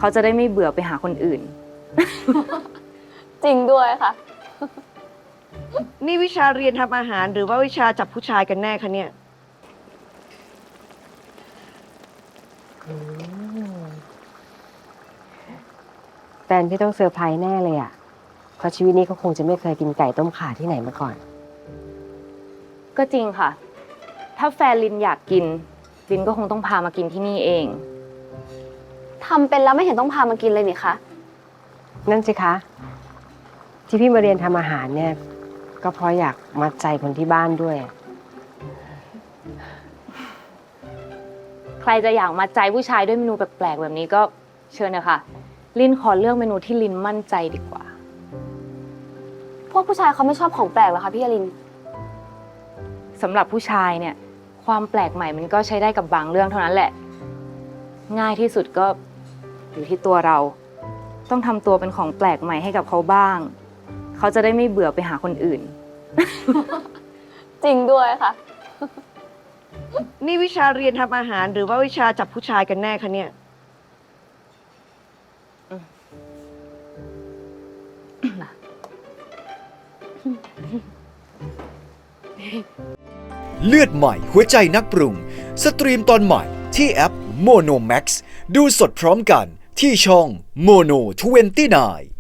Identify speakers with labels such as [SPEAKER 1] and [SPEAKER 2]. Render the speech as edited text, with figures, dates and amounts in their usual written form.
[SPEAKER 1] เขาจะได้ไม่เบื่อไปหาคนอื่น
[SPEAKER 2] จริงด้วยค่ะ
[SPEAKER 3] นี่วิชาเรียนทำอาหารหรือว่าวิชาจับผู้ชายกันแน่คะเนี่ย
[SPEAKER 4] แฟนพี่ต้องเซอร์ไพรส์แน่เลยอ่ะเพราะชีวิตนี้เขาคงจะไม่เคยกินไก่ต้มข่าที่ไหนมาก่อน
[SPEAKER 1] ก็จริงค่ะ ถ้าแฟนลินอยากกิน ลินก็คงต้องพามากินที่นี่เอง
[SPEAKER 2] ทำเป็นแล้วไม่เห็นต้องพามากินเลยนี่คะ
[SPEAKER 4] นั่นสิคะ ที่พี่มาเรียนทำอาหารเนี่ย ก็เพราะอยากมัดใจคนที่บ้านด้วย
[SPEAKER 1] ใครจะอยากมาใจผู้ชายด้วยเมนูแปลกๆแบบนี้ก็เชิญเลยค่ะ ลินขอเลือกเมนูที่ลินมั่นใจดีกว่า
[SPEAKER 2] พวกผู้ชายเขาไม่ชอบของแปลกเหรอคะพี่อลิน
[SPEAKER 1] สำหรับผู้ชายเนี่ย ความแปลกใหม่มันก็ใช้ได้กับบางเรื่องเท่านั้นแหละ ง่ายที่สุดก็อยู่ที่ตัวเรา ต้องทำตัวเป็นของแปลกใหม่ให้กับเขาบ้าง เขาจะได้ไม่เบื่อไปหาคนอื่น
[SPEAKER 2] จริงด้วยค่ะ
[SPEAKER 3] นี่วิชาเรียนทำอาหารหรือว่าวิชาจับผู้ชายกันแน่คะเนี่ย
[SPEAKER 5] เลือดใหม่หัวใจนักปรุง สตรีมตอนใหม่ที่แอป Mono Max ดูสดพร้อมกันที่ช่อง Mono 29